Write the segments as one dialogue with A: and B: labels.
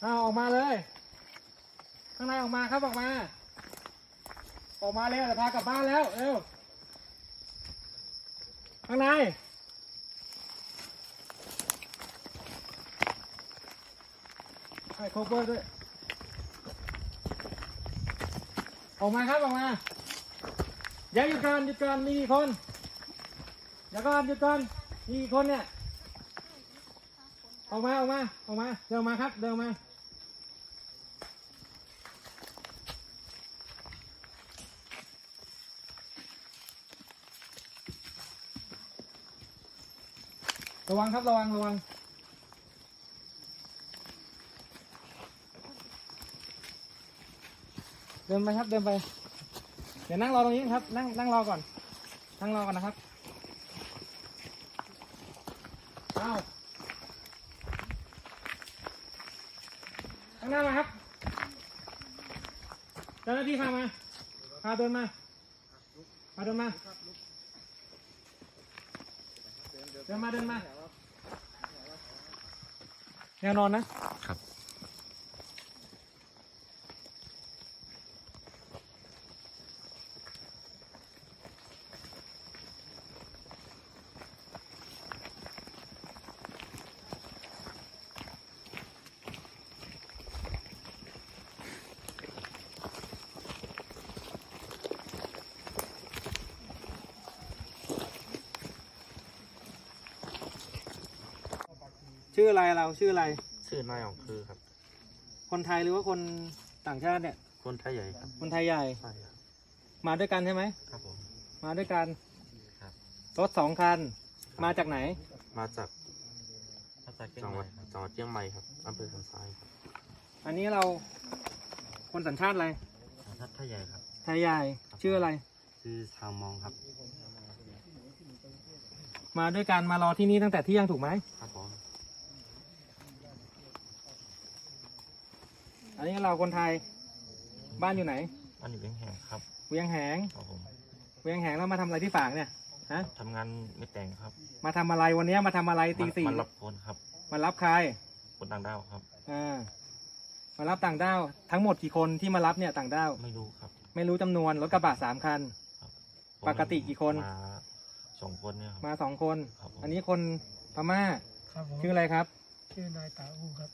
A: เอาออกมาเลยข้างในออกมาครับออกมาเลยจะพากลับบ้านแล้วเร็วข้างในให้โคเวอร์ด้วยออกมาครับออกมาอย่าหยุดก่อนมีกี่คนเดี๋ยวก่อนหยุดก่อนมีกี่คนเนี่ยออกมาเดินมาครับเดินมาระวังครับระวังเดินไปครับเดินไปเดี๋ยวนั่งรอตรงนี้ครับนั่งรอก่อนนะครับเอาข้างหน้ามาครับเจ้าหน้าที่พาเดินมาแนวนอนนะครับชื่ออะไรเราชื่ออะไร
B: ชื่อนายของคือครับ
A: คนไทยหรือว่าคนต่างชาติเนี่ย
B: คนไทยใหญ่ครับ
A: คนไทยใหญ่
B: ใช่ครับ
A: มาด้วยกันใช่ไหม
B: ครับผม
A: มาด้วยกัน
B: ครับ
A: รถ2 คันมาจากไหน
B: มาจากจังหวัดเชียงใหม่ครับอำเภอสันทรายครับ
A: อันนี้เราคนสัญชาติอะไร
B: สัญชาติไทยใหญ่ครับ
A: ไทยใหญ่ชื่ออะไร
B: ชื่อชาวมองครับ
A: มาด้วยกันมารอที่นี่ตั้งแต่เที่ยงถูกไหม
B: ครับผม
A: อันนี้เราคนไทยบ้านอยู่ไหน
B: บ้านอยู่เวียงแหงครับ
A: เวียงแหง
B: ครับผม
A: เวียงแหงแล้วมาทำอะไรที่ฝางเนี่ยฮะ
B: ทำงานไม่แต่งครับ
A: มาทำอะไรวันนี้มาทำอะไรตี 4
B: มารับคนครับ
A: มารับใคร
B: คนต่างด้าวครับ
A: มารับต่างด้าวทั้งหมดกี่คนที่มารับเนี่ยต่างด้าว
B: ไม่รู้ครับ
A: ไม่รู้จำนวนรถกระบะ3 คันปกติกี่คน
B: มา2 คนเนี่ย
A: มา2 คนอันนี้คนพม่าชื่ออะไรครับ
C: ชื่อนายตาอูครับ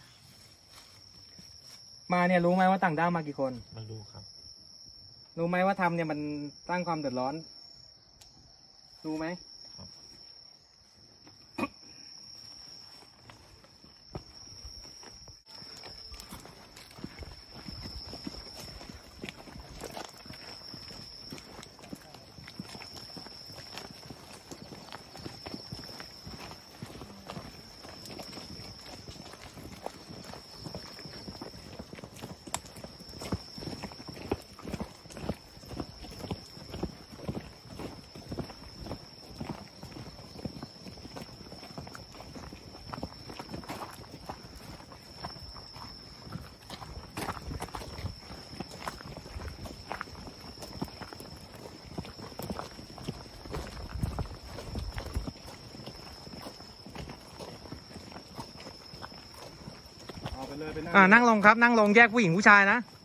A: มาเนี่ยรู้ไหมว่าต่างด้าวมากี่คน
B: ไม่รู้ครับ
A: รู้ไหมว่าทำเนี่ยมันสร้างความเดือดร้อนรู้ไหมนั่งลงครับนั่งลงแยกผู้หญิงผู้ชายนะ